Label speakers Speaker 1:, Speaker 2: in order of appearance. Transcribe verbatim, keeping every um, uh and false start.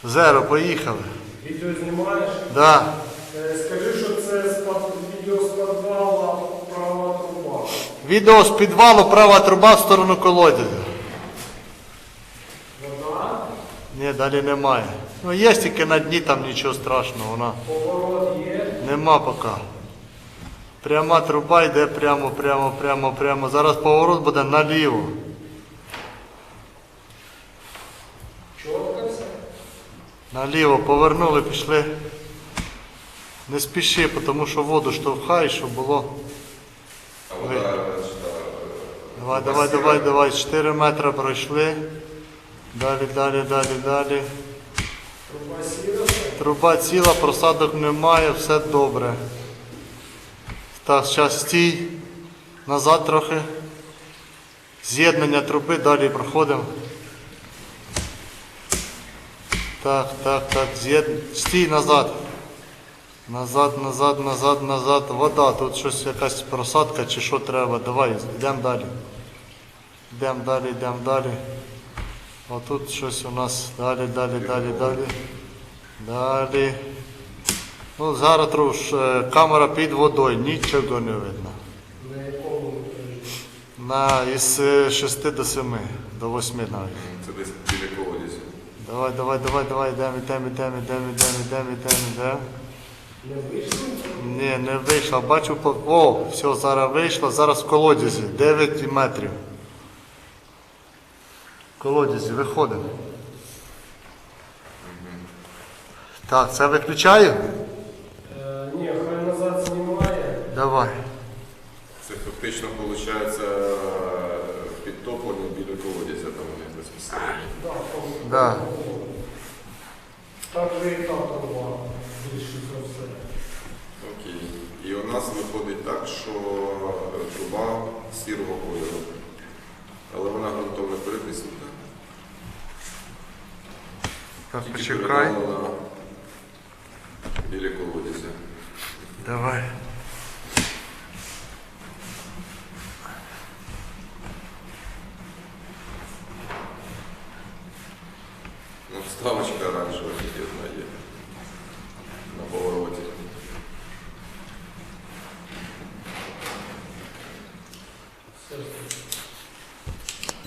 Speaker 1: Зеро, поїхали.
Speaker 2: Відео знімаєш?
Speaker 1: Да.
Speaker 2: Е, Скажи, що це з під- відео з підвала права труба.
Speaker 1: Відео з підвалу, права труба в сторону колодязя.
Speaker 2: Вода,
Speaker 1: Ні, далі немає. Ну є тільки на дні, там нічого страшного, вона.
Speaker 2: поворот є.
Speaker 1: Нема поки. Пряма труба йде прямо, прямо, прямо, прямо. Зараз поворот буде наліво.
Speaker 2: Чітко все.
Speaker 1: Наліво повернули, пішли. Не спіши, тому що воду штовхай, щоб було.
Speaker 3: А вода,
Speaker 1: Давай, давай, давай, давай. чотири метри пройшли. Далі, далі, далі, далі.
Speaker 2: Труба сіра.
Speaker 1: Труба ціла, просадок немає, все добре. Так, зараз стій. Назад трохи. З'єднання труби, далі проходимо. Так, так, так, з'єд... Стій назад. Назад, назад, назад, назад. Вода, тут щось якась просадка чи що треба. Давай, йдемо далі. Йдемо далі, йдемо далі. Отут щось у нас. Далі, далі, далі, далі. Далі. Ну, зараз труш, камера під водою, нічого не видно.
Speaker 2: На якому етажі?
Speaker 1: На із е, шести до семи, до восьми навіть.
Speaker 3: це десь біля колодязі.
Speaker 1: Давай, давай, давай, давай, йдемо, йдемо, йдемо, йдемо, йдемо, йдемо, йдемо, йдемо.
Speaker 2: Не вийшло?
Speaker 1: Ні, не вийшло. Бачу, по... О, все, зараз вийшло, зараз в колодязі, дев'ять метрів. В колодязі, виходимо. Так, це виключаю?
Speaker 2: Е, ні, хай назад знімає.
Speaker 1: Давай.
Speaker 3: Це фактично виходить підтоплення біля колодязя, там вони безпосередньо.
Speaker 2: Да, там.
Speaker 1: Да.
Speaker 2: Так же і та труба. Більше за все.
Speaker 3: Окей. І у нас виходить так, що труба сірого кольору. Але вона ґрунтовно перетиснута.
Speaker 1: Так,
Speaker 3: Тільки
Speaker 1: почекай.
Speaker 3: передавлена біля колодязя.
Speaker 1: Давай.
Speaker 3: Ну, вставочка оранжева тільки одна є.